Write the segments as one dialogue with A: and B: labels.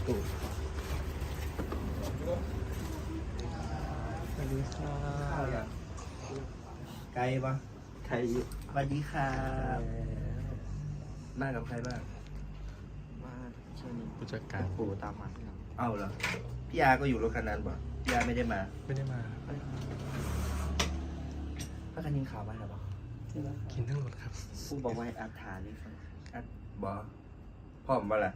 A: ตู่สวัสดีค่ะไกลปะ
B: ใคร
A: สวัสดีครับมากับใครบ้าง
B: มาช่วงนี้
C: ผู้จัดการ
B: ปู่ตามมาครับ
A: เอ้าเหรอพี่อาก็อยู่รถคันนั้นป่ะพี่อาไม่ได้มา
C: ไม่ได้มา
A: ถ้าคันนี้ข่าวมาหรอปะ
C: กินทั้งหมดครับ
B: ปู่บอกว่าให้อัดฐานนี่ครับ
A: อัดบอพร้อมบ่ล่ะ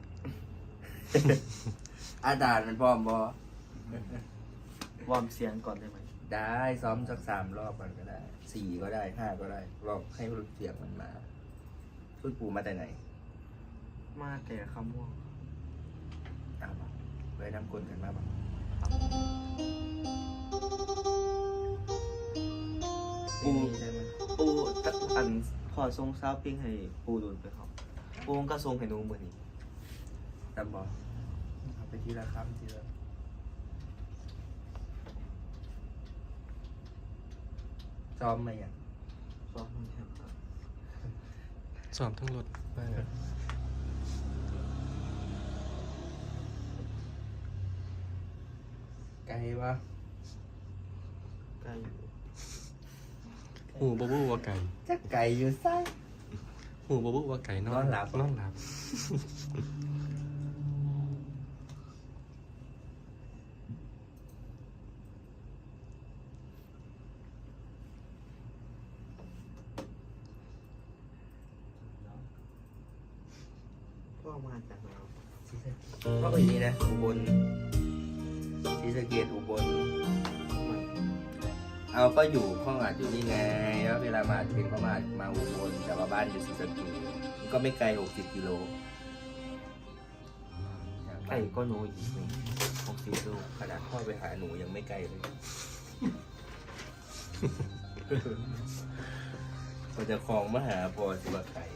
A: อาจารย์มันพร้อมบอ
B: วอร์มเสียงก่อนได้ไหม
A: ได้ซ้อมสัก3 รอบมันก็ได้4ก็ได้5ก็ได้รอบให้รู้เสียงมันมาพูดปูมาแต่ไหน
B: มาแต่คำม่วง
A: อ้าวไปนำคนกันมาบ้าง
B: ปู่ได้ไหมปู่อันพอทรงซาวปิ้งให้ปู่ดูไปครับปู่ก็ทรงให้หนูเหมือนนี้
A: ตามบอเอาไปทีละคำทีละซ้อมมาอย่าง
B: ซ้อมมันครับ
C: สอบทั้งรถได้ครับ
A: ไกลวะ
B: ใกล้อยู่
C: หูบบูว่าไก่
A: จะไกลอยู่ไส้
C: หูบบูว่าไก่นอน
A: นอนหลับ
C: นอนหลับ
B: พ่อมาจากไหนครับ
A: ก็เป็นนี้นะอุบลศรีสะเกษอุบลเอาก็อยู่ห้องอัดอยู่นี่ไงแล้วเวลามาอัดเพลงก็มาอุบลแต่ว่าบ้านอยู่ศรีสะเกษมันก็ไม่ไกล60 กิโล
B: ไก่ก็หนูอีก60 ลูก
A: ขนาดพ่อไปหาหนูยังไม่ไกลเลยพอจะคลองมาหาพอสิบไกล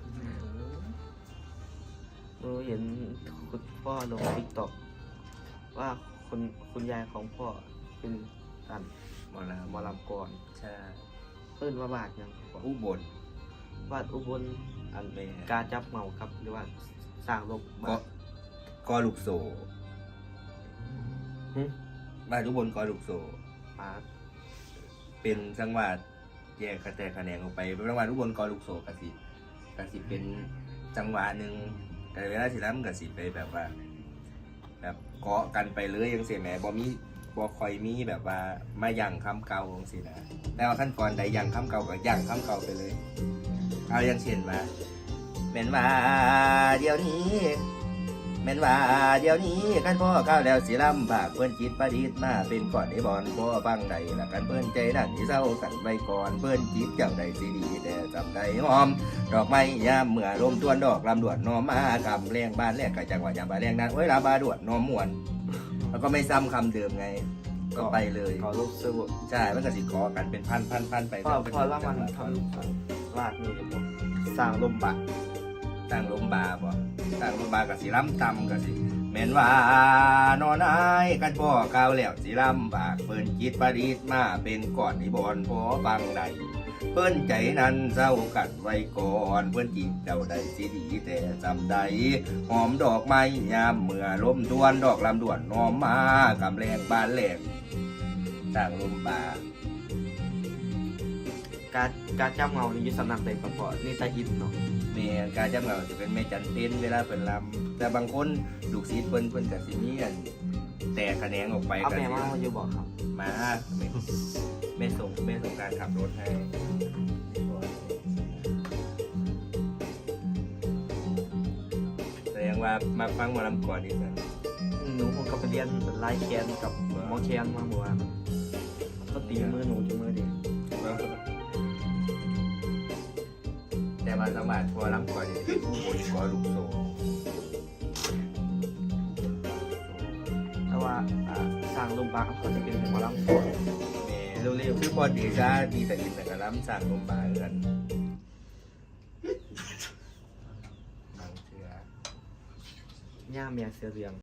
B: หนูเห็นคุณพ่อลงติ๊กต็อกว่าคุณยายของพ่อเป็นอัน
A: หมอล
B: หมอลำก่อน
A: ำใช่
B: เพิ่นว่าบาทยังครับ
A: อุบล
B: วาดอุบลอัน
A: แม่
B: กาจับเหมาครับหรือว่าสร้างลบ
A: กอลูกโซ
B: หึ
A: บ้านอุบลกอลูกโซ
B: ปาด
A: เป็นจังหวัดแยกกระแตกคะแนนออกไปเป็นจังหวัดอุบลกอลูกโซกสิเป็นจังหวะหนึ่งแต่เวลาสิล้ำกสิไปแบบว่า แบบเกาะกันไปเลยยังเสียแหมบ่คอยมีแบบว่ามาย่างคำเก่าจังสินะแต่ว่าขั้นตอนใดย่างคำเก่าก็ย่างคำเก่าไปเลย เอาอย่างเช่นว่าแม่นว่าเดี๋ยวนี้แม่นว่าเดี๋ยวนี้กันพ่อก้าวแล้วสิลำบากเพื่อนจิตประดิษฐ์มาเป็นก่อนไอ้บอลพ่อฟังใดละกันเพื่อนใจนั่นที่เศร้ากันไว้ก่อนเพื่อนจิตเจ้าใดสิดีแต่จำได้หอม ดอกไม้ยามเมื่อลมตวนดอกลำดวนน้อมมากำแรงบานแรกกะจังหวะยามบานแรงนั้นเวลาบาดวนน้อมมวนแล้วก็ไม่ซ้ำคำเดิมไง ก็ไปเลย
B: ขอรูปเสื้อ
A: ใช่มันก็สิกอกันเป็นพันไป
B: พอละมันทำลาดนี่เลยผมสร้างลมบะ
A: ตั้งลมบาบ่ตั้งลมบากับสิล้ำตำกับสิแม่นว่านอนอายกันพ่อก้าวแล้วสิลำบากเปิ้นจิตประดิษฐ์มาเป็นก่อนที่บอนพอฟังใดเปิ้นใจนั้นเศร้ากันไว้ก่อนเปิ้นจิตเจ้าใดสิดีแต่จำใดหอมดอกไม้ยามเมื่อลมทวนดอกลำดวนน้อมมากำแรงบานแหลกตั้งลมบา
B: การจับเงานี่อยึดสำนักใดก่อนพอนี่ตาอินเนาะ
A: แม่การจำเราจะเป็นแม่จันเต้นเวลาเป็นลำแต่บางคนลูกศิษย์เพิ่นกับสิมีอันแต่คะแนนออกไป
B: เอา
A: กัน
B: แม่มาอยู่บอกครับ
A: มาแม่ส่งการขับรถให้แสดงว่ามาฟังหมาลำก่อนดีกว่า
B: หนูคงกลับไปเรียนไล่แคนกับหมอแคนมาเมื่อวานก็ตีมือหนูจนมือเด็ก
A: แต่มาสมัครพอลำก่อนนี่คือผู้บริกรลูกโซ่
B: แต่ว่าสร้างลมบะเขาจะเป็นหมอลำก่อน
A: แม่เร็วๆคือพอดีจ้าดีแต่อินแต่กระลำสั่งลมบาเอือนบางเชือย่
B: าเมียเสือเรือง